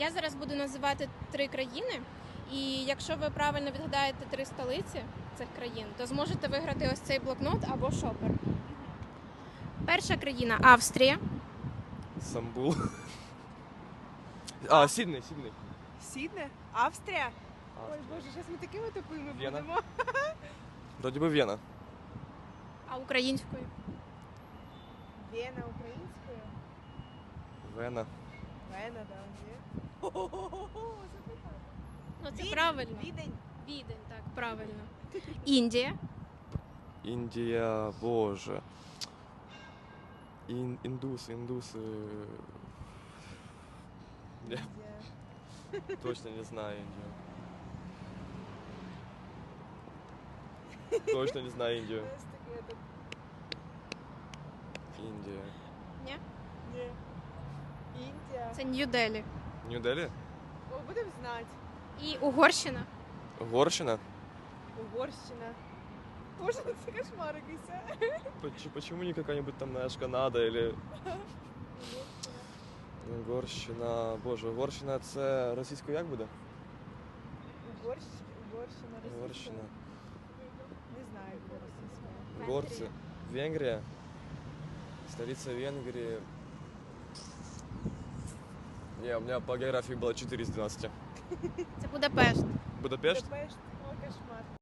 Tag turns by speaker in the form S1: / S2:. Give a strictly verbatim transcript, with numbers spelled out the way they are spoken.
S1: Я зараз буду називати три країни, і якщо ви правильно відгадаєте три столиці цих країн, то зможете виграти ось цей блокнот або шопер. Перша країна – Австрія.
S2: Стамбул. А, Сідней, Сідней.
S3: Сідне? Австрія? Ой,
S2: Австрія.
S3: боже, зараз ми такими тупими
S2: Вена.
S3: будемо.
S2: Вроді би Вена.
S1: А українською?
S3: Вена українською?
S2: Вена.
S3: Вена, да, ні. Хо-хо-хо-хо, запитала.
S1: Ну, це
S3: Відень,
S1: правильно.
S3: Відень.
S1: Відень, так, правильно. Індія.
S2: Індія, боже. Ін, індуси, індуси. Я
S3: Індія.
S2: точно не знаю Індію. Точно не знаю Індію.
S3: Ось таке тут.
S2: Індія.
S1: Ні?
S3: Ні. Індія.
S1: Це Нью-Делі.
S2: Нью-Делі?
S3: О, будемо знати.
S1: І Угорщина.
S2: Угорщина?
S3: Угорщина. Боже, ну це кошмар якийсь, а?
S2: Поч- Почему не какая-нибудь там, знаешь, Канада или... Угорщина, боже, Угорщина це російською як буде?
S3: Угорщ... Угорщина, російська.
S2: Угорщина.
S3: Не знаю, де російська.
S2: Угорці. Венгрія. Столиця Венгрії. Не, у меня по географии было четыре из двенадцати.
S1: Це Будапешт.
S2: Будапешт?
S3: Будапешт. О, кошмар.